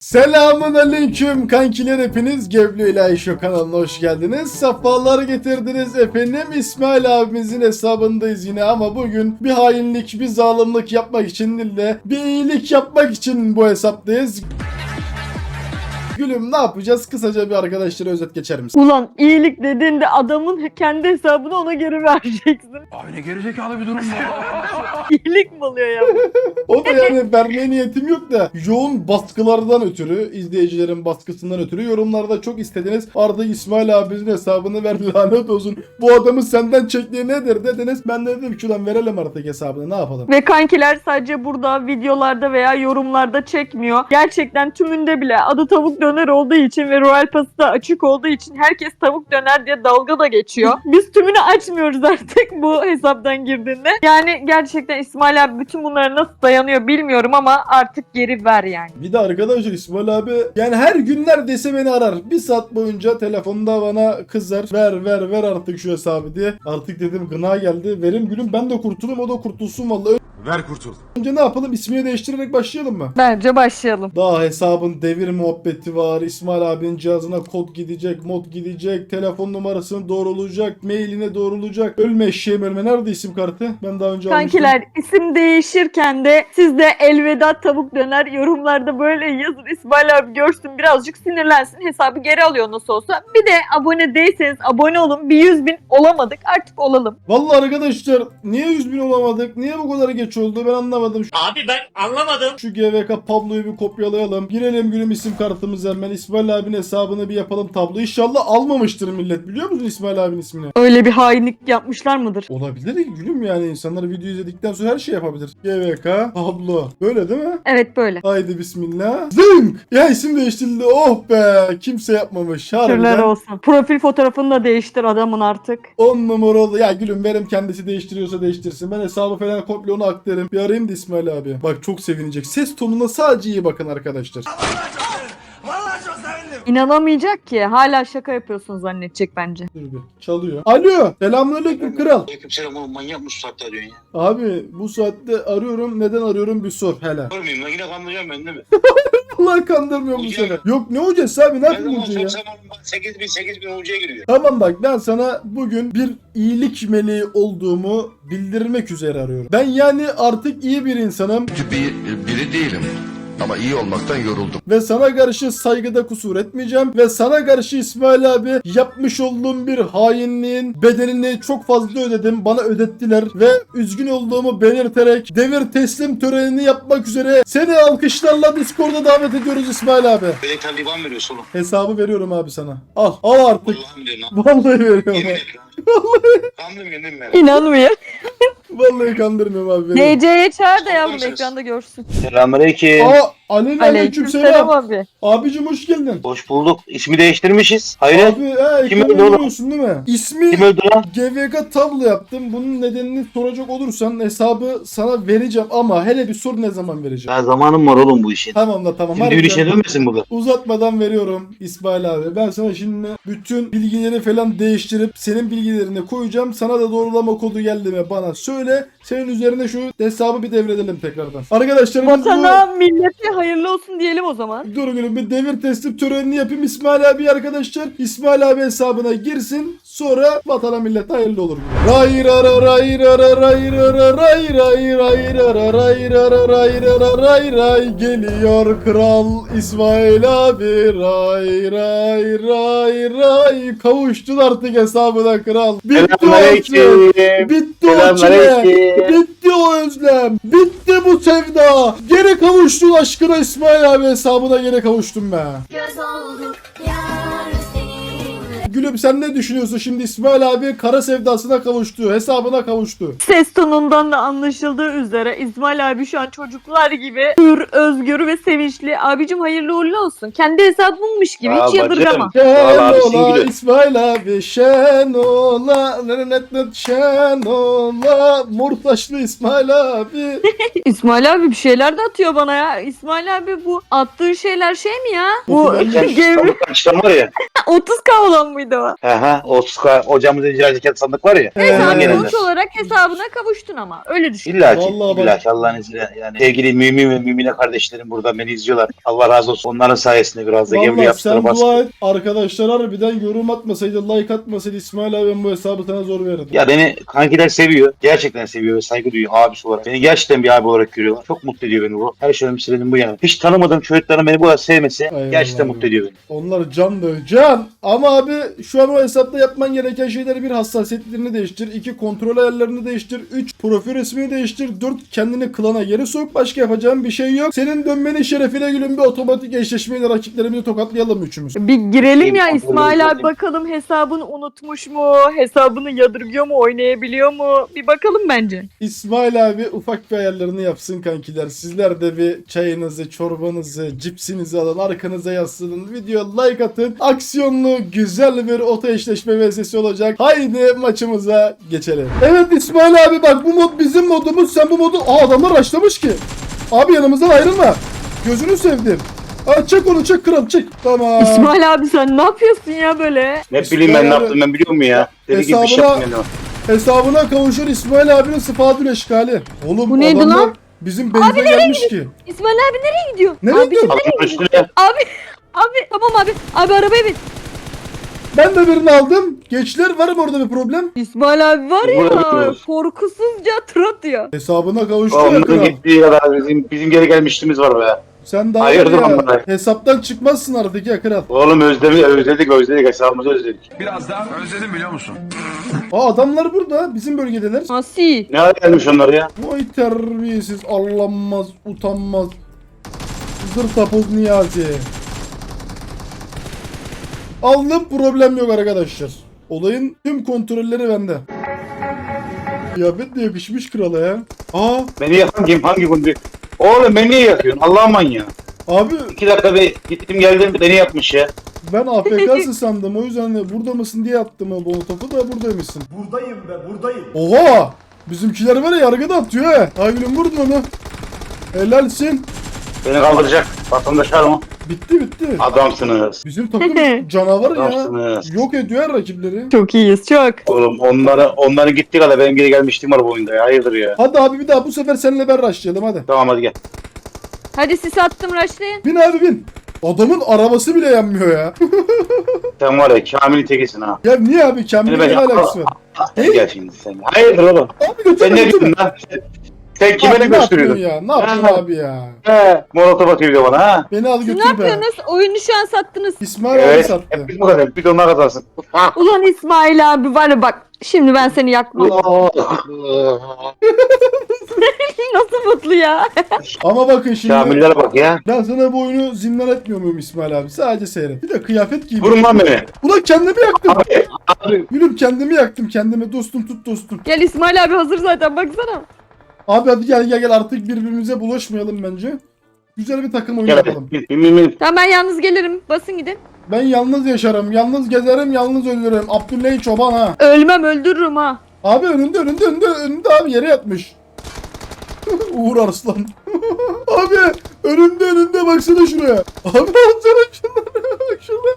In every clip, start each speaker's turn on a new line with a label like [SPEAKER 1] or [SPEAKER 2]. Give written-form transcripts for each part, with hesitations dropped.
[SPEAKER 1] Selamun aleyküm kankiler, hepiniz Geblo İlahi Show kanalına hoş geldiniz. Safalar getirdiniz efendim. İsmail abimizin hesabındayız yine ama bugün bir hainlik, bir zalimlik yapmak için değil de bir iyilik yapmak için bu hesaptayız. Gülüm, ne yapacağız? Kısaca bir arkadaşlara özet geçer misin?
[SPEAKER 2] Ulan iyilik dediğinde adamın kendi hesabını ona geri vereceksin.
[SPEAKER 3] Abi ne gerizekalı bir durum bu.
[SPEAKER 2] İyilik mi oluyor ya?
[SPEAKER 1] O da yani vermeye niyetim yok da yoğun baskılardan ötürü, izleyicilerin baskısından ötürü yorumlarda çok istediniz. Artık İsmail abimizin hesabını ver, lanet olsun. Bu adamı senden çektiği nedir dediniz. Ben de dedim ki ulan verelim artık hesabını, ne yapalım?
[SPEAKER 2] Ve kankiler sadece burada videolarda veya yorumlarda çekmiyor. Gerçekten tümünde bile adı tavuk döner olduğu için ve Royal Pass'ı da açık olduğu için herkes tavuk döner diye dalga da geçiyor. Biz tümünü açmıyoruz artık bu hesaptan girdiğinde. Yani gerçekten İsmail abi bütün bunlara nasıl dayanıyor bilmiyorum ama artık geri ver yani.
[SPEAKER 1] Bir de arkadaşlar İsmail abi yani her gün neredeyse beni arar. Bir saat boyunca telefonda bana kızar. Ver artık şu hesabı diye. Artık dedim gına geldi. Verim gülüm, ben de kurtulayım, o da kurtulsun vallahi.
[SPEAKER 3] Ver kurtul.
[SPEAKER 1] Önce ne yapalım? İsmini değiştirerek başlayalım mı?
[SPEAKER 2] Bence başlayalım.
[SPEAKER 1] Daha hesabın devir muhabbeti var. İsmail abinin cihazına kod gidecek, mod gidecek, telefon numarasını doğrulacak, mailine doğrulacak. Ölme eşeğim ölme. Nerede isim kartı? Ben daha önce almıştım.
[SPEAKER 2] Kankiler isim değişirken de siz de elveda tavuk döner yorumlarda böyle yazın. İsmail abi görsün, birazcık sinirlensin, hesabı geri alıyor nasıl olsa. Bir de abone değilseniz abone olun. Bir 100.000 olamadık, artık olalım.
[SPEAKER 1] Vallahi arkadaşlar niye 100.000 olamadık? Niye bu kadar geç oldu? Ben anlamadım.
[SPEAKER 4] Abi ben anlamadım.
[SPEAKER 1] Şu GVK Pablo'yu bir kopyalayalım. Girelim gülüm isim kartımıza hemen. İsmail abinin hesabını bir yapalım tablo. İnşallah almamıştır millet. Biliyor musun İsmail abinin ismini?
[SPEAKER 2] Öyle bir hainlik yapmışlar mıdır?
[SPEAKER 1] Olabilir ki gülüm, yani insanlar video izledikten sonra her şey yapabilir. GVK Pablo. Böyle değil mi?
[SPEAKER 2] Evet böyle.
[SPEAKER 1] Haydi bismillah. Zınk! Ya isim değiştirildi. Oh be! Kimse yapmamış.
[SPEAKER 2] Şükürler
[SPEAKER 1] Harbiden
[SPEAKER 2] olsun. Profil fotoğrafını da değiştir adamın artık.
[SPEAKER 1] 10 numara oldu. Ya gülüm benim, kendisi değiştiriyorsa değiştirsin. Ben hesabı falan komple onu aktarım. Bir arayayım da İsmail abi. Bak çok sevinecek. Ses tonuna sadece iyi bakın arkadaşlar.
[SPEAKER 4] Vallahi çok sevindim.
[SPEAKER 2] İnanamayacak ki. Hala şaka yapıyorsun zannedecek bence.
[SPEAKER 1] Dur bir. Çalıyor. Alo. Selamünaleyküm kral.
[SPEAKER 4] Aleykümselam oğlum, manyak mısın saatte diyorsun ya?
[SPEAKER 1] Abi bu saatte arıyorum. Neden arıyorum bir sor hele.
[SPEAKER 4] Görmeyeyim lan, yine kandıracağım ben değil mi?
[SPEAKER 1] Allah kandırmıyor bu
[SPEAKER 4] Hoca.
[SPEAKER 1] sefer. Yok ne hocası abi, ne
[SPEAKER 4] Ne
[SPEAKER 1] yapayım
[SPEAKER 4] zaman
[SPEAKER 1] hocayı ya?
[SPEAKER 4] sorsam oğlum, 8.000 hocaya giriyor.
[SPEAKER 1] Tamam bak, ben sana bugün bir iyilik meleği olduğumu bildirmek üzere arıyorum. Ben yani artık iyi bir insanım
[SPEAKER 3] Biri değilim. Ama iyi olmaktan yoruldum.
[SPEAKER 1] ve sana karşı saygıda kusur etmeyeceğim ve sana karşı İsmail abi yapmış olduğum bir hainliğin bedelini çok fazla ödedim. Bana ödettiler ve üzgün olduğumu belirterek devir teslim törenini yapmak üzere seni alkışlarla Discord'a davet ediyoruz İsmail abi.
[SPEAKER 4] Beni Taliban veriyorsun oğlum.
[SPEAKER 1] Hesabı veriyorum abi sana. Al artık.
[SPEAKER 4] Allah'ım diyorum lan.
[SPEAKER 1] Vallahi veriyorum
[SPEAKER 4] Yemin
[SPEAKER 1] abi.
[SPEAKER 4] et lan. Kandırmıyorum değil mi ben?
[SPEAKER 2] İnanmıyor.
[SPEAKER 1] Vallahi kandırmıyorum abi. Veriyorum.
[SPEAKER 2] DC'ye çağır da yavrum
[SPEAKER 4] Konuşuruz.
[SPEAKER 2] ekranda görsün.
[SPEAKER 5] Selamünaleyküm.
[SPEAKER 1] Aleyküm
[SPEAKER 2] Aleykümselam abi.
[SPEAKER 1] Abicim hoş geldin.
[SPEAKER 5] Hoş bulduk. İsmi değiştirmişiz. Hayır.
[SPEAKER 1] Abi
[SPEAKER 5] Kim
[SPEAKER 1] ekranda
[SPEAKER 5] öldü oğlum?
[SPEAKER 1] görüyorsun değil mi? İsmi
[SPEAKER 5] Kim öldü lan?
[SPEAKER 1] GVK tablo yaptım. Bunun nedenini soracak olursan hesabı sana vereceğim ama hele bir sor, ne zaman vereceğim?
[SPEAKER 5] Daha zamanım var oğlum bu işin.
[SPEAKER 1] Tamam da tamam.
[SPEAKER 5] Şimdi bir işe dönmesin bu kadar.
[SPEAKER 1] Uzatmadan veriyorum İsmail abi. Ben sana şimdi bütün bilgileri falan değiştirip senin bilgilerini koyacağım. Sana da doğrulama kodu geldi mi bana söyle. Senin üzerine şu hesabı bir devredelim tekrardan. Arkadaşlarımız
[SPEAKER 2] Vatana, millete hayırlı olsun diyelim o zaman.
[SPEAKER 1] Dur gülüm, bir devir teslim törenini yapayım İsmail abi arkadaşlar. İsmail abi hesabına girsin. Sonra vatana millete hayırlı olur. Ray ra ra ray ra ra ray ra ra ray ray ray ra ra ray ra ra ray ra ra ray ray. Geliyor kral İsmail abi. Ray ray ray ray. Kavuştun artık hesabına kral. Bitti o özlem. Bitti o çile. Bitti o özlem. Bitti bu sevda. Geri kavuştun aşkına İsmail abi hesabına, geri kavuştum be.
[SPEAKER 6] Göz olduk yar seninle.
[SPEAKER 1] Gülüm sen ne düşünüyorsun şimdi? İsmail abi kara sevdasına kavuştu. Hesabına kavuştu.
[SPEAKER 2] Ses tonundan da anlaşıldığı üzere İsmail abi şu an çocuklar gibi hür, özgür ve sevinçli. Abicim hayırlı uğurlu olsun. Kendi hesabınmış gibi hiç yadırgama.
[SPEAKER 1] Şen
[SPEAKER 5] abisin
[SPEAKER 1] ola
[SPEAKER 5] gülüm.
[SPEAKER 1] İsmail abi, şen ola şen ola Murtaşlı İsmail abi.
[SPEAKER 2] İsmail abi bir şeyler de atıyor bana ya. İsmail abi bu attığın şeyler şey mi ya? Bu
[SPEAKER 1] Okudan
[SPEAKER 2] gevri
[SPEAKER 5] Açtan var ya.
[SPEAKER 2] 30K olan mıydı o?
[SPEAKER 5] Aha, o hocamızın icra zekat sandık var ya.
[SPEAKER 2] Neyse
[SPEAKER 5] ondan
[SPEAKER 2] abi
[SPEAKER 5] gelenler.
[SPEAKER 2] sonuç olarak hesabına kavuştun ama. Öyle düşün.
[SPEAKER 5] İlla ki,
[SPEAKER 1] Vallahi bak-
[SPEAKER 5] illa ki Allah'ın izniyle yani. Sevgili mümin ve mümine kardeşlerim burada beni izliyorlar. Allah razı olsun. Onların sayesinde biraz da gemli
[SPEAKER 1] Vallahi sen
[SPEAKER 5] yaptılar.
[SPEAKER 1] dua et. Arkadaşlar harbiden yorum atmasaydı, like atmasaydı İsmail abi ben bu hesabı sana zor verirdim.
[SPEAKER 5] Ya beni kankiler seviyor. Gerçekten seviyor ve saygı duyuyor abisi olarak. Beni gerçekten bir abi olarak görüyorlar. Çok mutlu ediyor beni bu. Her şeyin sebebi bu yani. Hiç tanımadığım çocukların beni bu kadar sevmesi
[SPEAKER 1] Eyvallah
[SPEAKER 5] gerçekten
[SPEAKER 1] abi.
[SPEAKER 5] mutlu ediyor beni.
[SPEAKER 1] Onlar can da can. Ama abi şu an o hesapta yapman gereken şeyleri: bir, hassasiyetlerini değiştir; 2, kontrol ayarlarını değiştir; 3, profil resmini değiştir; 4, kendini klana geri sok. Başka yapacağın bir şey yok. Senin dönmenin şerefine gülüm bir otomatik eşleşmeyle rakiplerimizi tokatlayalım üçümüz.
[SPEAKER 2] Bir girelim ya
[SPEAKER 5] İyi,
[SPEAKER 2] İsmail abi,
[SPEAKER 5] bakayım.
[SPEAKER 2] bakalım hesabını unutmuş mu? Hesabını yadırgıyor mu? Oynayabiliyor mu? Bir bakalım bence.
[SPEAKER 1] İsmail abi ufak bir ayarlarını yapsın kankiler. Sizler de bir çayınızı, çorbanızı, cipsinizi alın, arkanıza yaslanın, video like atın. Aksiyonlu güzel bir oto eşleşme vs olacak. Haydi maçımıza geçelim. Evet İsmail abi bak, bu mod bizim modumuz. Sen bu modu... Adamlar başlamış ki. Abi yanımızdan ayrılma. Gözünü sevdim. Çek onu, çek kral, çek. Tamam.
[SPEAKER 2] İsmail abi sen ne yapıyorsun ya böyle?
[SPEAKER 5] Ne bileyim ben ne yaptım ben biliyor muyum ya? Deli gibi bir şey
[SPEAKER 1] Hesabına-
[SPEAKER 5] yaptım
[SPEAKER 1] Hesabına kavuşur İsmail abinin sıfatül eşkali. Oğlum
[SPEAKER 2] Bu neydi
[SPEAKER 1] adamlar
[SPEAKER 2] lan?
[SPEAKER 1] bizim benze gelmiş ki.
[SPEAKER 2] İsmail abi nereye gidiyor?
[SPEAKER 1] Nereye
[SPEAKER 2] abi,
[SPEAKER 1] gidiyor?
[SPEAKER 5] Altın üstüne.
[SPEAKER 2] Abi tamam abi. Abi arabaya bin.
[SPEAKER 1] Ben de birini aldım. Gençler, var mı orada bir problem?
[SPEAKER 2] İsmail abi var
[SPEAKER 5] Burada
[SPEAKER 2] ya
[SPEAKER 5] bekliyoruz.
[SPEAKER 2] korkusuzca tır atıyor.
[SPEAKER 1] Hesabına kavuştu ya
[SPEAKER 5] Onların
[SPEAKER 1] kral.
[SPEAKER 5] gittiği kadar bizim geri gelmişliğimiz var be.
[SPEAKER 1] Sen daha
[SPEAKER 5] Hayırdır
[SPEAKER 1] var ya,
[SPEAKER 5] amına?
[SPEAKER 1] hesaptan çıkmazsın artık ya kral.
[SPEAKER 5] Oğlum özledik hesabımızı özledik.
[SPEAKER 3] Biraz daha özledim biliyor musun?
[SPEAKER 1] Adamlar burada, bizim bölgedeler.
[SPEAKER 2] Asi.
[SPEAKER 5] Ne hale gelmiş onlar ya?
[SPEAKER 1] Vay terbiyesiz, arlanmaz, utanmaz. Zırtapoz Niyazi. Aldım, problem yok arkadaşlar. Olayın tüm kontrolleri bende. Kıyafet de yakışmış krala ya.
[SPEAKER 5] Beni yakan kim? Hangi gündü? Oğlum beni niye yakıyorsun? Allah'ım manyağı.
[SPEAKER 1] Abi
[SPEAKER 5] 2 dakika bir gittim geldim beni yapmış ya.
[SPEAKER 1] ben AFK'sı sandım, o yüzden de burada mısın diye attım o topu da buradaymışsın.
[SPEAKER 7] Buradayım be, buradayım.
[SPEAKER 1] Oha! Bizimkiler var ya, yargıda atıyor he. Aygül'üm vurdun onu. Helalsin.
[SPEAKER 5] Beni kaldıracak. Vatandaş var mı?
[SPEAKER 1] Bitti.
[SPEAKER 5] Adamsınız.
[SPEAKER 1] Bizim takım canavar ya.
[SPEAKER 5] Adamsınız.
[SPEAKER 1] Yok ediyor her rakipleri.
[SPEAKER 2] Çok iyiyiz çok.
[SPEAKER 5] Oğlum onların gittiği kadar benim geri gelmiştim var bu oyunda ya. Hayırdır ya.
[SPEAKER 1] Hadi abi bir daha bu sefer seninle ben rushlayalım hadi.
[SPEAKER 5] Tamam hadi gel.
[SPEAKER 2] Hadi sis attım rushlayın.
[SPEAKER 1] Bin abi bin. Adamın arabası bile yanmıyor ya.
[SPEAKER 5] Sen var ya Kamil'in tekisin ha.
[SPEAKER 1] Ya niye abi, Kamil'in
[SPEAKER 5] Beni
[SPEAKER 1] ne
[SPEAKER 5] ben-
[SPEAKER 1] alakası var?
[SPEAKER 5] Hadi gel şimdi sen. Hayırdır oğlum?
[SPEAKER 1] Abi götürme
[SPEAKER 5] Sen ne
[SPEAKER 1] götürme.
[SPEAKER 5] diyorsun lan? Sen kime
[SPEAKER 1] Abi
[SPEAKER 5] ne gösteriyorsun?
[SPEAKER 1] yapıyorsun ya? Ne yapıyorsun
[SPEAKER 5] Ha.
[SPEAKER 1] abi ya?
[SPEAKER 5] He, molotof atıyor bir de bana ha.
[SPEAKER 1] Beni al
[SPEAKER 2] Siz ne
[SPEAKER 1] götür be.
[SPEAKER 2] yapıyorsunuz? Oyunu şu an sattınız.
[SPEAKER 1] İsmail abi
[SPEAKER 5] Evet.
[SPEAKER 1] sattı.
[SPEAKER 5] Hep biz bu kadar. Bir de onlar kazansın.
[SPEAKER 2] Ulan İsmail abi var ya bak. Şimdi ben seni yakmam. Nasıl mutlu ya?
[SPEAKER 1] Ama bakın şimdi.
[SPEAKER 5] Kamillere bak ya.
[SPEAKER 1] Ben sana bu oyunu zindan etmiyor muyum İsmail abi? Sadece seyret. Bir de kıyafet giy.
[SPEAKER 5] Vurun lan beni.
[SPEAKER 1] Ulan kendimi yaktım.
[SPEAKER 5] Abi.
[SPEAKER 1] Gülüm kendimi yaktım kendime. Dostum tut dostum.
[SPEAKER 2] Gel İsmail abi hazır zaten baksana.
[SPEAKER 1] Abi hadi gel artık birbirimize bulaşmayalım bence. Güzel bir takım oyunu
[SPEAKER 5] Gel
[SPEAKER 1] yapalım.
[SPEAKER 5] hadi. Bin.
[SPEAKER 2] Tamam ben yalnız gelirim. Basın gidin.
[SPEAKER 1] Ben yalnız yaşarım, yalnız gezerim, yalnız ölürüm. Abdülhamid Çoban ha.
[SPEAKER 2] Ölmem öldürürüm ha.
[SPEAKER 1] Abi önünde abi yere yatmış. Uğur Arslan. Abi önünde baksana şuraya. Abi baksana şunlara, bak şuna.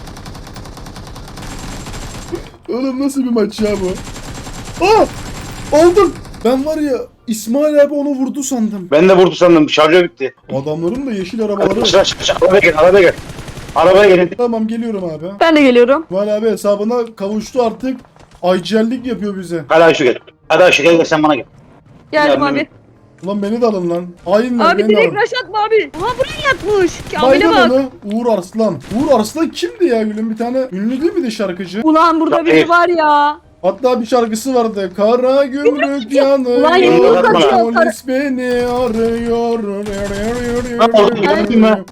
[SPEAKER 1] Oğlum nasıl bir maç ya bu? Oldum. Ben var ya, İsmail abi onu vurdu sandım.
[SPEAKER 5] Ben de vurdu sandım. Şarjör bitti.
[SPEAKER 1] Adamların da yeşil arabaları var.
[SPEAKER 5] Arabaya gel. Arabaya gelin.
[SPEAKER 1] Tamam geliyorum abi.
[SPEAKER 2] Ben de geliyorum.
[SPEAKER 1] İsmail abi hesabına kavuştu artık. IGL'lik yapıyor bize.
[SPEAKER 5] Hadi Ayşe gel. Hadi Ayşe gel sen bana gel.
[SPEAKER 2] Geldim
[SPEAKER 5] Yardım
[SPEAKER 2] abi.
[SPEAKER 5] et.
[SPEAKER 1] Ulan beni de alın lan. Hainler
[SPEAKER 2] Abi
[SPEAKER 1] beni de
[SPEAKER 2] direkt
[SPEAKER 1] alın.
[SPEAKER 2] rush atma abi. Ulan buraya yatmış. Kamil'e
[SPEAKER 1] Baydım
[SPEAKER 2] bak.
[SPEAKER 1] onu. Uğur Arslan. Uğur Arslan kimdi ya gülüm? Bir tane ünlü değil miydi şarkıcı?
[SPEAKER 2] Ulan burada biri var ya.
[SPEAKER 1] Hatta bir şarkısı vardı. Kara gümrük yanıyor.
[SPEAKER 2] Ulan
[SPEAKER 5] yumruk atıyor.
[SPEAKER 1] Polis beni arıyor.
[SPEAKER 5] Gördün mü?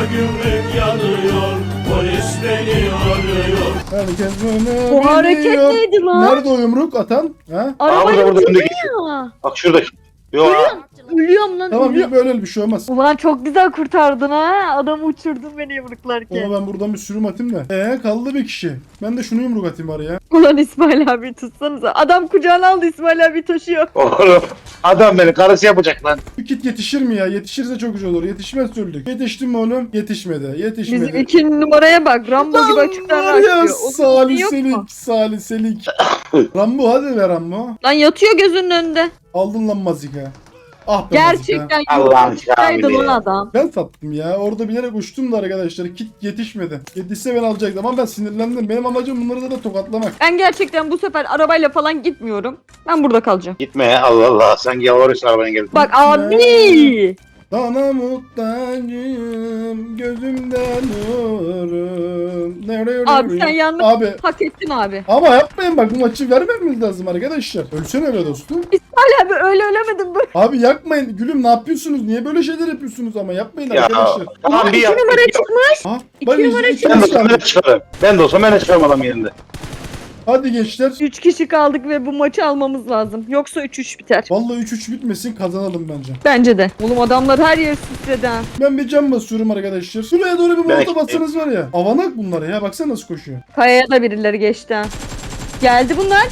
[SPEAKER 1] Herkes beni
[SPEAKER 2] O hareket
[SPEAKER 1] biliyor.
[SPEAKER 2] neydi lan?
[SPEAKER 1] Nerede o yumruk atan? Ha?
[SPEAKER 2] Arabayı
[SPEAKER 5] burada öndeki.
[SPEAKER 2] uçuruyor.
[SPEAKER 5] Bak şuradaki. Yo
[SPEAKER 2] Ölüyorum lan
[SPEAKER 1] Tamam
[SPEAKER 2] ölüyorum.
[SPEAKER 1] böyle bir şey olmaz.
[SPEAKER 2] Ulan çok güzel kurtardın ha. Adamı uçurdun beni yumruklarken.
[SPEAKER 1] Ama ben buradan bir sürüm atayım da. Kaldı bir kişi. Ben de şunu yumruk atayım bari ya.
[SPEAKER 2] Ulan İsmail abi tutsanıza. Adam kucağına aldı, İsmail abi taşıyor.
[SPEAKER 5] Oğlum adam beni karısı yapacak lan.
[SPEAKER 1] Bu kit yetişir mi ya? Yetişirse çok güzel olur. Yetişmez öldük. Yetişti mi oğlum? Yetişmedi. Yetişmedi.
[SPEAKER 2] Bizim 2 numaraya bak. Rambo gibi açıktan
[SPEAKER 1] Var ya
[SPEAKER 2] açıyor. Onun yok mu?
[SPEAKER 1] saliselik saliselik. Rambo hadi ver Rambo.
[SPEAKER 2] Lan yatıyor gözünün önünde.
[SPEAKER 1] Aldın lan mazika. Ah be mazika.
[SPEAKER 2] Gerçekten
[SPEAKER 5] Allah'ın
[SPEAKER 2] yumrukçaydı
[SPEAKER 5] kamili
[SPEAKER 2] lan
[SPEAKER 5] ya.
[SPEAKER 2] adam.
[SPEAKER 1] Ben sattım ya. Orada bilerek uçtum da arkadaşlar. Kit yetişmedi. Yetişse ben alacaktım ama ben sinirlendim. Benim amacım bunları da tokatlamak.
[SPEAKER 2] Ben gerçekten bu sefer arabayla falan gitmiyorum. Ben burada kalacağım.
[SPEAKER 5] Gitme ya Allah Allah. Sen yalvarıyorsun arabaya gel.
[SPEAKER 2] Bak abi.
[SPEAKER 1] Sana muhtacım gözümden nurum.
[SPEAKER 2] Abi sen yanlış
[SPEAKER 1] Abi
[SPEAKER 2] hak ettin abi.
[SPEAKER 1] ama yapmayın bak bu maçı vermemiz lazım arkadaşlar. Ölsene be dostum.
[SPEAKER 2] İsmail abi öyle ölemedim böyle.
[SPEAKER 1] Abi yakmayın. Gülüm ne yapıyorsunuz? Niye böyle şeyler yapıyorsunuz ama? Yapmayın
[SPEAKER 5] Ya
[SPEAKER 1] arkadaşlar.
[SPEAKER 5] tamam bir
[SPEAKER 2] 2
[SPEAKER 5] yap.
[SPEAKER 2] numara çıkmış.
[SPEAKER 1] Ha,
[SPEAKER 2] İki
[SPEAKER 1] bak
[SPEAKER 2] numara
[SPEAKER 1] iki
[SPEAKER 5] Ben de
[SPEAKER 1] kişi
[SPEAKER 5] olsam ben de
[SPEAKER 1] kaldı.
[SPEAKER 5] çıkarım. Ben de olsam ben de çıkarım adam yerinde.
[SPEAKER 1] Hadi gençler.
[SPEAKER 2] 3 kişi kaldık ve bu maçı almamız lazım. Yoksa 3-3 biter.
[SPEAKER 1] Vallahi 3-3 bitmesin kazanalım bence.
[SPEAKER 2] Bence de. Oğlum adamlar her yer titredi ha.
[SPEAKER 1] Ben bir cam basıyorum arkadaşlar. Şuraya doğru bir
[SPEAKER 5] Belki-
[SPEAKER 1] molotov atsanız var ya. Avanak bunlar ya. Baksana nasıl koşuyor.
[SPEAKER 2] Kayaya da birileri geçti ha. Geldi bunlar.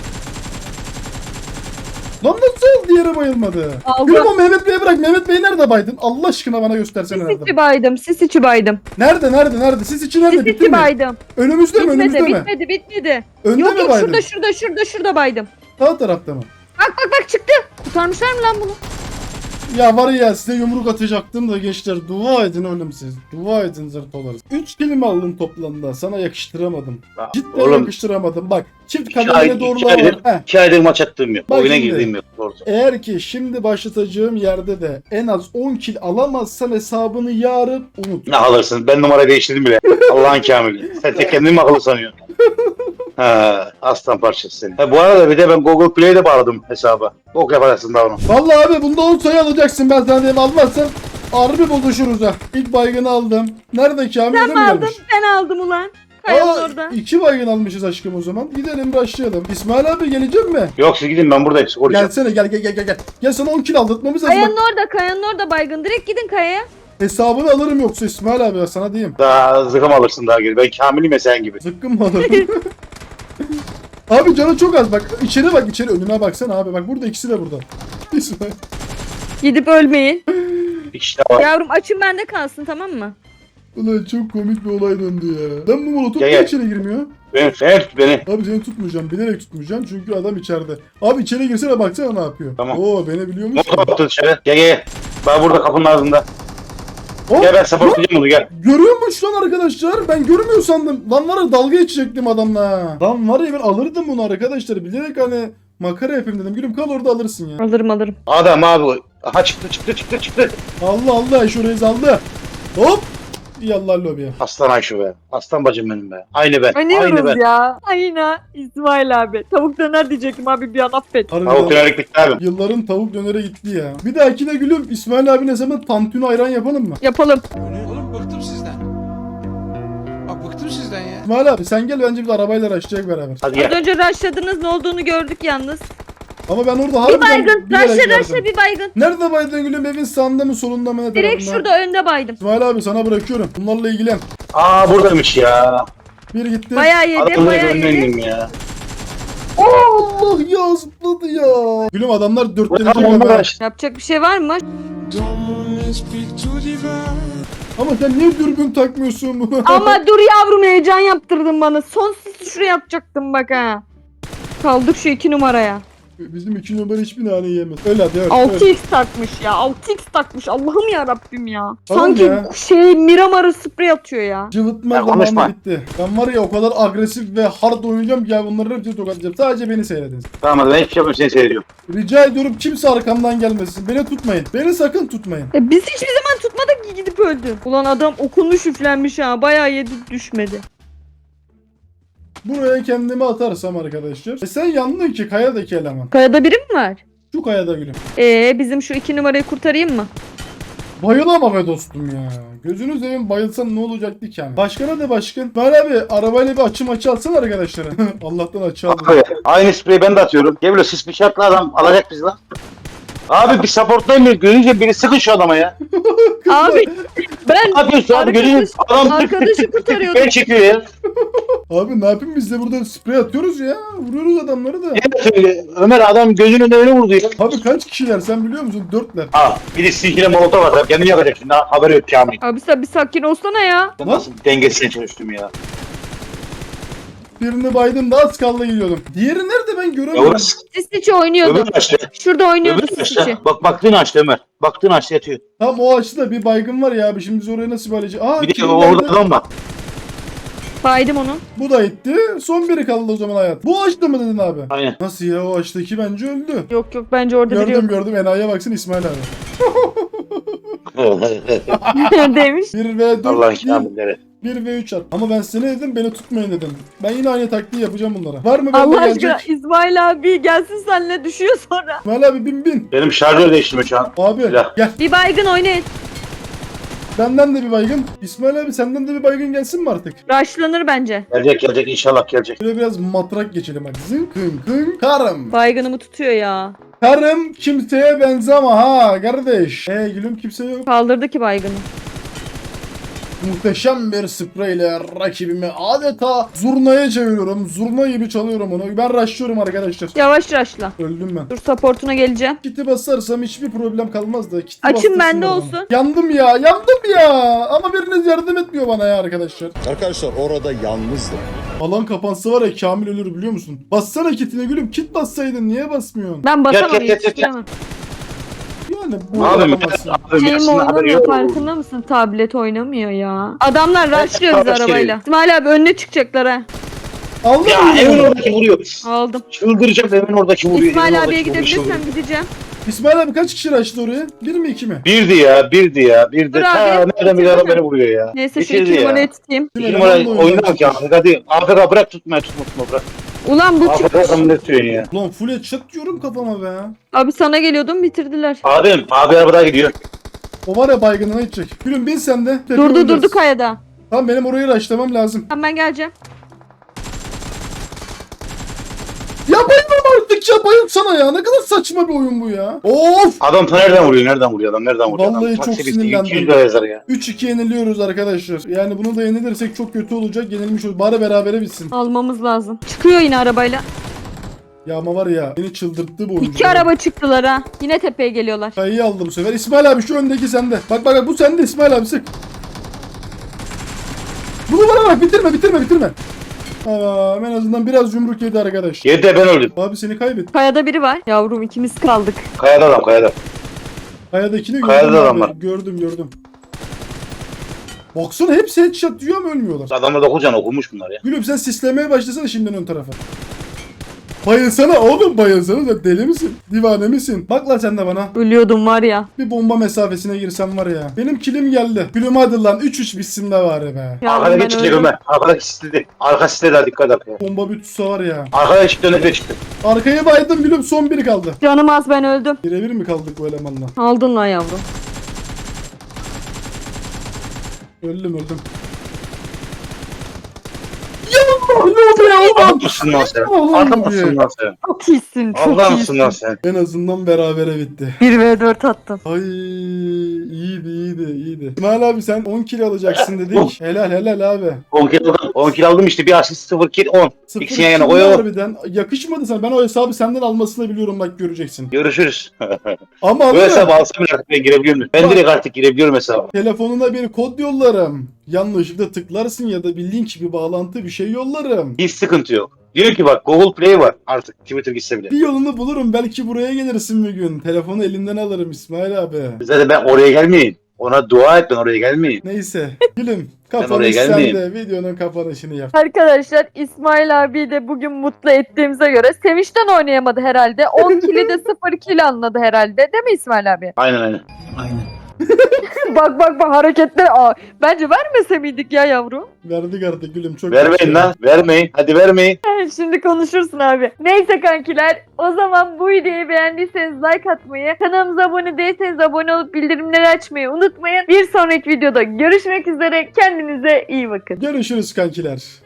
[SPEAKER 1] Lan nasıl diğeri bayılmadı?
[SPEAKER 2] Aldı.
[SPEAKER 1] Gülüm o Mehmet Bey'i bırak. Mehmet Bey nerede baydın? Allah aşkına bana göstersene
[SPEAKER 2] Sis
[SPEAKER 1] nerede.
[SPEAKER 2] içi baydım. Sis içi baydım.
[SPEAKER 1] Nerede? Siz için nerede?
[SPEAKER 2] Sis
[SPEAKER 1] Bitti
[SPEAKER 2] içi
[SPEAKER 1] mi?
[SPEAKER 2] baydım.
[SPEAKER 1] Önümüzde mi? Önümüzde
[SPEAKER 2] Bitmedi,
[SPEAKER 1] mi?
[SPEAKER 2] bitmedi, bitmedi.
[SPEAKER 1] Önde
[SPEAKER 2] Yok
[SPEAKER 1] mi
[SPEAKER 2] yok
[SPEAKER 1] baydın?
[SPEAKER 2] şurada baydım.
[SPEAKER 1] Sağ tarafta mı?
[SPEAKER 2] Bak çıktı. Kurtarmışlar mı lan bunu?
[SPEAKER 1] Ya var ya size yumruk atacaktım da gençler dua edin oğlum siz. Dua edin zırtolarız. 3 kelime aldım toplamda. Sana yakıştıramadım. Cidden
[SPEAKER 5] Oğlum
[SPEAKER 1] yakıştıramadım. Bak çift
[SPEAKER 5] İki ay-
[SPEAKER 1] kademeli doğrular
[SPEAKER 5] iki
[SPEAKER 1] var.
[SPEAKER 5] aydır-
[SPEAKER 1] Heh.
[SPEAKER 5] 2 aydır maç attığım yok.
[SPEAKER 1] Bak
[SPEAKER 5] Oyuna
[SPEAKER 1] şimdi.
[SPEAKER 5] girdiğim yok. Doğrusu.
[SPEAKER 1] Eğer ki şimdi başlatacağım yerde de en az 10 kill alamazsan hesabını yarın unut.
[SPEAKER 5] Ne alırsın? Ben numarayı değiştirdim bile. Allah'ın kamili. Sen tek kendini mi akıllı sanıyorsun? Ha, aslan parçası seni. Ha, bu arada bir de ben Google Play'de bağladım hesaba. Bok yaparsın da onu.
[SPEAKER 1] Vallahi abi bunda 10 sayı alacaksın ben sana diyeyim almazsan harbi bozuşuruz ha. İlk baygını aldım. Nerede Kamil öyle mi
[SPEAKER 2] Aldım.
[SPEAKER 1] gelmiş?
[SPEAKER 2] Ben aldım ulan. Kayanın orada.
[SPEAKER 1] 2 baygın almışız aşkım o zaman. Gidelim başlayalım. İsmail abi gelecek mi?
[SPEAKER 5] Yok siz gidin ben buradayım. Koruyacağım.
[SPEAKER 1] Gelsene gel. Gel sana 10 kill aldırtmamız lazım.
[SPEAKER 2] Kayanın
[SPEAKER 1] Bak,
[SPEAKER 2] orada baygın. Direkt gidin kayaya.
[SPEAKER 1] hesabını alırım yoksa İsmail abi ya sana diyeyim.
[SPEAKER 5] Daha zıkım alırsın daha geri. Ben Kamil'im ya sen gibi.
[SPEAKER 1] Zıkkım mı alırım? Abi canı çok az bak. İçeri bak içeri önüne baksana abi. Bak burada ikisi de burada. İsmail.
[SPEAKER 2] Gidip ölmeyin.
[SPEAKER 5] Bir kişi daha var.
[SPEAKER 2] Yavrum açın bende kalsın tamam mı?
[SPEAKER 1] Ulan çok komik bir olay döndü ya. Lan bu molotof
[SPEAKER 5] Gel,
[SPEAKER 1] niye
[SPEAKER 5] gel.
[SPEAKER 1] içeri girmiyor?
[SPEAKER 5] Sen tut beni.
[SPEAKER 1] Abi seni tutmayacağım. Bilerek tutmayacağım çünkü adam içeride. Abi içeri girsene baksana ne yapıyor.
[SPEAKER 5] Tamam.
[SPEAKER 1] Oo beni biliyormuş.
[SPEAKER 5] Motor attı dışarı. Gel. Ben burada kapının ağzında.
[SPEAKER 1] Oh,
[SPEAKER 5] Gel ben supportlayacağım onu gel.
[SPEAKER 1] görüyormuş lan arkadaşlar. Ben görmüyor sandım. Lan var ya dalga geçecektim adamla. Lan var ya ben alırdım bunu arkadaşlar. Bilerek hani makara yapayım dedim. Gülüm kal orada alırsın ya.
[SPEAKER 2] Alırım.
[SPEAKER 5] Adam abi. Aha çıktı.
[SPEAKER 1] Allah Ayşe reis aldı. Hop. Yallah lobiye.
[SPEAKER 5] Aslan Ayşe be. Aslan bacım benim be. Aynı ben. Aynı
[SPEAKER 2] Oynuyoruz
[SPEAKER 5] ben.
[SPEAKER 2] ya. Aynen İsmail abi. Tavuk döner diyecektim abi bir an affet.
[SPEAKER 5] Tavuk
[SPEAKER 1] Harbiden.
[SPEAKER 5] dönerlik bitti abi.
[SPEAKER 1] Yılların tavuk dönere gitti ya. Bir dahakine gülüm İsmail abi ne zaman tantuni ayran yapalım mı?
[SPEAKER 2] Yapalım.
[SPEAKER 7] Oğlum bıktım sizden. Bak bıktım sizden ya.
[SPEAKER 1] İsmail abi sen gel bence bir de arabayla araştıracak beraber.
[SPEAKER 5] Hadi
[SPEAKER 2] Az
[SPEAKER 5] gel.
[SPEAKER 2] önce rushladınız ne olduğunu gördük yalnız.
[SPEAKER 1] Ama ben orada
[SPEAKER 2] Bir
[SPEAKER 1] harbiden
[SPEAKER 2] baygın.
[SPEAKER 1] bilerek
[SPEAKER 2] Rushla
[SPEAKER 1] verdim.
[SPEAKER 2] bir baygın.
[SPEAKER 1] Nerede baydın gülüm evin sağında mı solunda mı ne
[SPEAKER 2] Direkt
[SPEAKER 1] tarafında?
[SPEAKER 2] şurada önde baydım.
[SPEAKER 1] İsmail abi sana bırakıyorum. Bunlarla ilgilen.
[SPEAKER 5] Aa buradaymış ya.
[SPEAKER 1] Bir gitti.
[SPEAKER 2] Bayağı yedi
[SPEAKER 5] Adamın
[SPEAKER 2] bayağı
[SPEAKER 5] önüne
[SPEAKER 2] yedi.
[SPEAKER 5] indim ya.
[SPEAKER 1] Allah ya zıpladı ya. Gülüm adamlar dörtlenecek
[SPEAKER 5] Tamam
[SPEAKER 1] ama.
[SPEAKER 5] onlar.
[SPEAKER 2] Yapacak bir şey var mı?
[SPEAKER 1] Ama sen niye dürbün takmıyorsun bunu?
[SPEAKER 2] Ama dur yavrum heyecan yaptırdın bana. Son sisi şuraya atacaktım bak ha. Kaldık şu 2 numaraya.
[SPEAKER 1] Bizim 2 numara hiçbir nane yiyemez. Öyle hadi evet.
[SPEAKER 2] 6x takmış ya. 6x takmış. Allah'ım ya Rabbim ya.
[SPEAKER 1] Tamam
[SPEAKER 2] Sanki
[SPEAKER 1] ya.
[SPEAKER 2] Miramar'ı sprey atıyor ya.
[SPEAKER 1] Cıvıtma
[SPEAKER 5] Ya
[SPEAKER 1] zamanı
[SPEAKER 5] konuşma.
[SPEAKER 1] bitti. Ben var ya o kadar agresif ve hard oynayacağım ki ya bunları hepsini tokatlayacağım. Sadece beni seyredin.
[SPEAKER 5] Tamam hadi ben hiçbir şey yapmıyorum seni seyrediyorum.
[SPEAKER 1] Rica ediyorum kimse arkamdan gelmesin. Beni tutmayın. Beni sakın tutmayın.
[SPEAKER 2] Biz hiçbir zaman tutmadık ki gidip öldü. Ulan adam okunu şüflenmiş ha. Bayağı yedi düşmedi.
[SPEAKER 1] Buraya kendimi atarsam arkadaşlar. Sen yandın ki kayadaki eleman.
[SPEAKER 2] Kayada biri mi var?
[SPEAKER 1] Şu kayada gülüm.
[SPEAKER 2] Bizim şu 2 numarayı kurtarayım mı?
[SPEAKER 1] Bayılama be dostum ya. Gözünü seveyim bayılsan ne olacaktı ki yani. Başkana de başkan. Ver abi arabayla bir açı alsana arkadaşlara. Allah'tan açı aldım.
[SPEAKER 5] Abi aynı spreyi ben de atıyorum. Gel böyle sis bir şartla adam alacak bizi lan. Abi bir supportlayın beni. Görünce biri sıkın şu adama ya.
[SPEAKER 2] Abi ben
[SPEAKER 5] Ne yapıyorsun abi? Görünce adam
[SPEAKER 2] arkadaşı kurtarıyordum.
[SPEAKER 5] ben çekiyor ya.
[SPEAKER 1] Abi ne yapayım biz de burada sprey atıyoruz ya. Vuruyoruz adamları da.
[SPEAKER 5] Evet öyle. Ömer adam gözünün önüne öyle vurdu ya.
[SPEAKER 1] Abi kaç kişiler sen biliyor musun? 4'ler.
[SPEAKER 5] Ha bir de sizinkine molotof atar. Kendini yakacak şimdi. Haberi yok Kamil.
[SPEAKER 2] Abi sen bir sakin olsana ya.
[SPEAKER 5] Nasıl dengesine çalıştım ya.
[SPEAKER 1] Birini baydım da az kaldı gidiyordum. Diğeri nerede ben
[SPEAKER 5] Ya
[SPEAKER 1] göremiyorum.
[SPEAKER 5] orası.
[SPEAKER 2] Sisiçi oynuyordu.
[SPEAKER 5] Öbür açtı.
[SPEAKER 2] Şurada oynuyordu
[SPEAKER 5] Öbür
[SPEAKER 2] Sisiçi.
[SPEAKER 5] açtı. Bak baktığını açtı Ömer. Baktığını açtı yatıyor.
[SPEAKER 1] Tam o açıda bir baygın var ya abi. Şimdi biz oraya nasıl bayılacağız? Aa
[SPEAKER 5] Bir de
[SPEAKER 1] kim
[SPEAKER 5] orada
[SPEAKER 1] geldi?
[SPEAKER 5] adam var.
[SPEAKER 2] Baydım onu.
[SPEAKER 1] Bu da gitti. Son biri kaldı o zaman hayat. Bu açtı mı dedin abi?
[SPEAKER 5] Aynen.
[SPEAKER 1] Nasıl ya o açtaki bence öldü.
[SPEAKER 2] Yok yok bence orada biri
[SPEAKER 1] Gördüm
[SPEAKER 2] yok.
[SPEAKER 1] gördüm enayiye baksın İsmail abi.
[SPEAKER 2] Demiş.
[SPEAKER 1] 1 ve 4
[SPEAKER 5] Allah'ın
[SPEAKER 1] değil,
[SPEAKER 5] kamilleri.
[SPEAKER 1] 1 ve 3 at. Ama ben size ne dedim? Beni tutmayın dedim. Ben yine aynı taktiği yapacağım bunlara. Var mı bende
[SPEAKER 2] Allah aşkına
[SPEAKER 1] gelecek?
[SPEAKER 2] İsmail abi gelsin seninle düşüyor sonra.
[SPEAKER 1] İsmail abi bin.
[SPEAKER 5] Benim şarjör değiştirme şu an.
[SPEAKER 1] Abi
[SPEAKER 5] Silah.
[SPEAKER 1] gel.
[SPEAKER 2] Bir baygın oynayın.
[SPEAKER 1] Benden de bir baygın. İsmail abi senden de bir baygın gelsin mi artık?
[SPEAKER 2] Rushlanır bence.
[SPEAKER 5] Gelecek inşallah gelecek.
[SPEAKER 1] Şöyle biraz matrak geçelim hadi. Zın kın kın karım.
[SPEAKER 2] Baygınımı tutuyor ya.
[SPEAKER 1] Karım kimseye benzeme ha kardeş. Gülüm kimse yok.
[SPEAKER 2] Kaldırdı ki baygını.
[SPEAKER 1] Muhteşem bir spreyle rakibimi adeta zurnaya çeviriyorum. Zurna gibi çalıyorum onu. Ben rushlıyorum arkadaşlar.
[SPEAKER 2] Yavaş rushla.
[SPEAKER 1] Öldüm ben.
[SPEAKER 2] Dur supportuna geleceğim.
[SPEAKER 1] Kiti basarsam hiçbir problem kalmaz da. Kiti
[SPEAKER 2] Açın
[SPEAKER 1] bastırsın
[SPEAKER 2] bende
[SPEAKER 1] bana.
[SPEAKER 2] olsun.
[SPEAKER 1] Yandım ya. Ama biriniz yardım etmiyor bana ya arkadaşlar.
[SPEAKER 8] Arkadaşlar orada yalnızdım.
[SPEAKER 1] Alan kapansa var ya Kamil ölür biliyor musun? Bassana kitine gülüm. Kit bassaydın niye basmıyorsun?
[SPEAKER 2] Ben basamam
[SPEAKER 5] Gel.
[SPEAKER 2] yetiştiremem.
[SPEAKER 1] Yani bu
[SPEAKER 5] Abim
[SPEAKER 1] yapamazsın.
[SPEAKER 2] Şeyim
[SPEAKER 5] aslında haberi
[SPEAKER 2] oynamıyor
[SPEAKER 5] yok.
[SPEAKER 2] farkında mısın? Tablet oynamıyor ya. Adamlar rushlıyor bizi
[SPEAKER 5] tablet
[SPEAKER 2] arabayla.
[SPEAKER 5] geliyor.
[SPEAKER 2] İsmail abi önüne çıkacaklar ha.
[SPEAKER 1] Aldın
[SPEAKER 5] Ya
[SPEAKER 1] mı?
[SPEAKER 5] evin oradaki vuruyor.
[SPEAKER 2] Aldım.
[SPEAKER 5] Çıldıracağım evin oradaki vuruyor.
[SPEAKER 2] İsmail
[SPEAKER 5] evin
[SPEAKER 2] abiye
[SPEAKER 5] oradaki vuruyor.
[SPEAKER 2] gidebilirsem gideceğim.
[SPEAKER 1] İsmail abi kaç kişi açtı oraya? 1 mi 2 mi?
[SPEAKER 5] Birdi ya.
[SPEAKER 2] Dur
[SPEAKER 5] Ta
[SPEAKER 2] abi,
[SPEAKER 5] nereden bir
[SPEAKER 2] bitirsene.
[SPEAKER 5] adam beni vuruyor ya.
[SPEAKER 2] Neyse şu
[SPEAKER 5] Bitirdi
[SPEAKER 2] 2
[SPEAKER 5] ya.
[SPEAKER 2] numarayı tutayım.
[SPEAKER 5] Bir numara oynamak ya. Hadi AFK bırak tutma bırak.
[SPEAKER 2] Ulan bu
[SPEAKER 5] AFK adamı ne tutuyorsun ya?
[SPEAKER 1] Lan full headshot diyorum kafama be.
[SPEAKER 2] Abi sana geliyordum bitirdiler.
[SPEAKER 5] Abi arabada gidiyor.
[SPEAKER 1] O var ya baygınına gidecek. Gülüm bin sen de. Tekrar
[SPEAKER 2] Durdu
[SPEAKER 1] oynarız.
[SPEAKER 2] durdu kayada.
[SPEAKER 1] Tamam benim orayı rushlamam lazım.
[SPEAKER 2] Tamam ben geleceğim.
[SPEAKER 1] Ya bayılmam artık ya bayılsana ya. Ne kadar saçma bir oyun bu ya. Of.
[SPEAKER 5] Adam ta nereden vuruyor? Nereden vuruyor?
[SPEAKER 1] Vallahi
[SPEAKER 5] Adam
[SPEAKER 1] çok
[SPEAKER 5] taksi bitti,
[SPEAKER 1] sinirlendim.
[SPEAKER 5] 200 lira yazar ya.
[SPEAKER 1] 3-2 yeniliyoruz arkadaşlar. Yani bunu da yenilirsek çok kötü olacak. Yenilmiş olur. Bari berabere bitsin.
[SPEAKER 2] Almamız lazım. Çıkıyor yine arabayla.
[SPEAKER 1] Ya ama var ya beni çıldırttı bu oyuncu.
[SPEAKER 2] 2 araba çıktılar ha. Yine tepeye geliyorlar.
[SPEAKER 1] Kayıyı aldı bu sefer. İsmail abi şu öndeki sende. Bak bu sende İsmail abi sık. Bunu bana bak bitirme. Tamam en azından biraz yumruk yedi arkadaş.
[SPEAKER 5] Yedi de ben öldüm.
[SPEAKER 1] Abi seni kaybettim.
[SPEAKER 2] Kayada biri var. Yavrum ikimiz kaldık.
[SPEAKER 5] Kayada adam kayada.
[SPEAKER 1] Kayadakini gördüm
[SPEAKER 5] Kayada
[SPEAKER 1] abi.
[SPEAKER 5] adamlar.
[SPEAKER 1] Gördüm. Baksana hepsi headshot diyor ama ölmüyorlar.
[SPEAKER 5] Adamlar da kocaman okumuş bunlar ya.
[SPEAKER 1] Gülüm sen sislemeye başlasana şimdiden ön tarafa. Bayılsana oğlum bayılsana sen deli misin? Divane misin? Bak lan sen de bana.
[SPEAKER 2] Ölüyordum var ya.
[SPEAKER 1] Bir bomba mesafesine girsem var ya. Benim kilim geldi. Gülüm hadi lan 3-3 bitsin de var be.
[SPEAKER 2] Yavrum
[SPEAKER 5] Arkada
[SPEAKER 2] ben
[SPEAKER 5] geçecek
[SPEAKER 2] öldüm.
[SPEAKER 5] Ömer. Arkada sisledi. Arka sisledi dikkat et. Ya.
[SPEAKER 1] Bomba bir tutsa var ya.
[SPEAKER 5] Arkada çıktı önüne çıktı.
[SPEAKER 1] Arkaya baydım gülüm son biri kaldı.
[SPEAKER 2] Canım az ben öldüm.
[SPEAKER 1] Birebir mi kaldık bu elemanla?
[SPEAKER 2] Aldın lan yavrum.
[SPEAKER 1] Öldüm. Ya ne oldu ya oğlum?
[SPEAKER 5] Adamsın lan sen.
[SPEAKER 1] Allah'ım
[SPEAKER 5] Adamsın lan sen.
[SPEAKER 2] Çok iyisin çok
[SPEAKER 5] Adamsın
[SPEAKER 2] iyisin.
[SPEAKER 5] lan sen.
[SPEAKER 1] En azından berabere bitti.
[SPEAKER 2] 1v4 attım.
[SPEAKER 1] Ay iyiydi. İsmail abi sen 10 kill alacaksın dedik. Helal abi.
[SPEAKER 5] 10 kill aldım işte. Bir asist 0 kill 10.
[SPEAKER 1] Sıfır
[SPEAKER 5] İkisini yan yana
[SPEAKER 1] kill
[SPEAKER 5] koy o.
[SPEAKER 1] harbiden. Yakışmadı sana. Ben o hesabı senden almasını biliyorum bak göreceksin.
[SPEAKER 5] Görüşürüz.
[SPEAKER 1] Ama
[SPEAKER 5] Bu
[SPEAKER 1] alıyor.
[SPEAKER 5] hesabı alsam artık ben girebiliyorum. Ben direkt artık girebiliyorum hesaba.
[SPEAKER 1] Telefonuna bir kod yollarım. Yanlışlıkla tıklarsın ya da bir link bir bağlantı bir şey yollarım.
[SPEAKER 5] Hiç sıkıntı yok. Diyor ki bak Google Play var artık. Twitter gitse bile.
[SPEAKER 1] Bir yolunu bulurum. Belki buraya gelirsin bir gün. Telefonu elinden alırım İsmail abi.
[SPEAKER 5] Zaten ben oraya gelmeyeyim. Ona dua et ben oraya gelmeyeyim.
[SPEAKER 1] Neyse. Gülüm.
[SPEAKER 5] oraya
[SPEAKER 1] Kapanış
[SPEAKER 5] gelmeyeyim.
[SPEAKER 1] sende. Videonun kapanışını yap.
[SPEAKER 2] Arkadaşlar İsmail abi de bugün mutlu ettiğimize göre Sevinç'ten oynayamadı herhalde. 10 kili de 0 kill anladı herhalde. Değil mi İsmail abi?
[SPEAKER 5] Aynen.
[SPEAKER 2] bak hareketler. Aa, bence vermese miydik ya yavrum?
[SPEAKER 1] Verdik artık gülüm. Çok
[SPEAKER 5] Vermeyin lan. Vermeyin. Hadi vermeyin.
[SPEAKER 2] Şimdi konuşursun abi. Neyse kankiler o zaman bu videoyu beğendiyseniz like atmayı, kanalımıza abone değilseniz abone olup bildirimleri açmayı unutmayın. Bir sonraki videoda görüşmek üzere. Kendinize iyi bakın.
[SPEAKER 1] Görüşürüz kankiler.